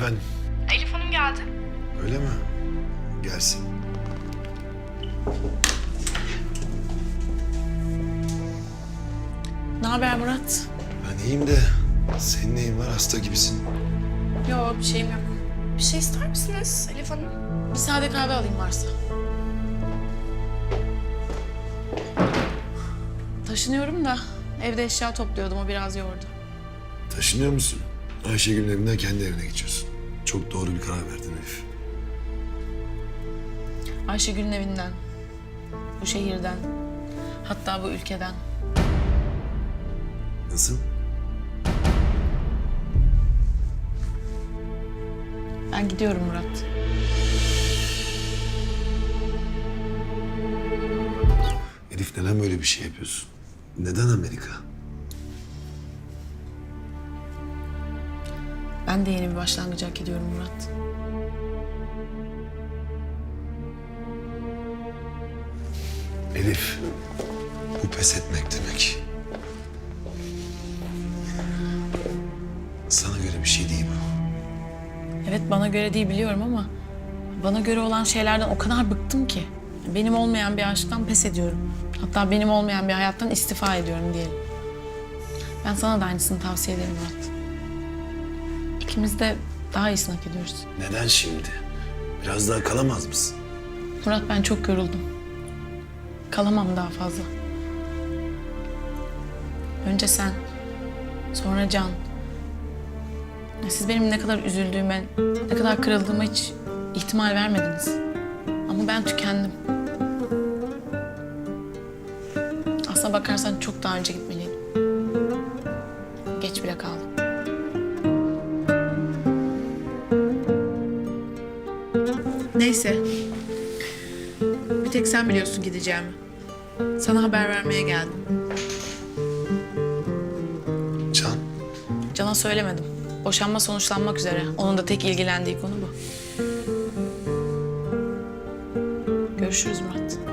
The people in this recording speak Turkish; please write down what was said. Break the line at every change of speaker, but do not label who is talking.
Efendim?
Elif Hanım geldi.
Öyle mi? Gelsin.
Ne haber Murat?
Ben iyiyim de senin neyin var? Hasta gibisin.
Yok bir şeyim yok.
Bir şey ister misiniz Elif Hanım?
Bir sade kahve alayım varsa. Taşınıyorum da evde eşya topluyordum, o biraz yordu.
Taşınıyor musun? Ayşegül'ün evinden kendi evine geçiyorsun. Çok doğru bir karar verdin Elif.
Ayşegül'ün evinden, bu şehirden, hatta bu ülkeden.
Nasıl?
Ben gidiyorum Murat.
Elif neden böyle bir şey yapıyorsun? Neden Amerika?
Ben de yeni bir başlangıç hak ediyorum Murat.
Elif, bu pes etmek demek. Sana göre bir şey değil bu.
Evet bana göre değil biliyorum ama bana göre olan şeylerden o kadar bıktım ki. Benim olmayan bir aşktan pes ediyorum. Hatta benim olmayan bir hayattan istifa ediyorum diyelim. Ben sana da aynısını tavsiye ederim Murat. İkimiz de daha iyisini hak ediyoruz.
Neden şimdi? Biraz daha kalamaz mısın?
Murat ben çok yoruldum. Kalamam daha fazla. Önce sen, sonra Can. Ya siz benim ne kadar üzüldüğüme, ne kadar kırıldığıma hiç ihtimal vermediniz. Ama ben tükendim. Aslına bakarsan çok daha önce gitmeliydim. Geç bile kaldım. Neyse. Bir tek sen biliyorsun gideceğimi. Sana haber vermeye geldim.
Can,
Can'a söylemedim. Boşanma sonuçlanmak üzere. Onun da tek ilgilendiği konu bu. Görüşürüz Murat.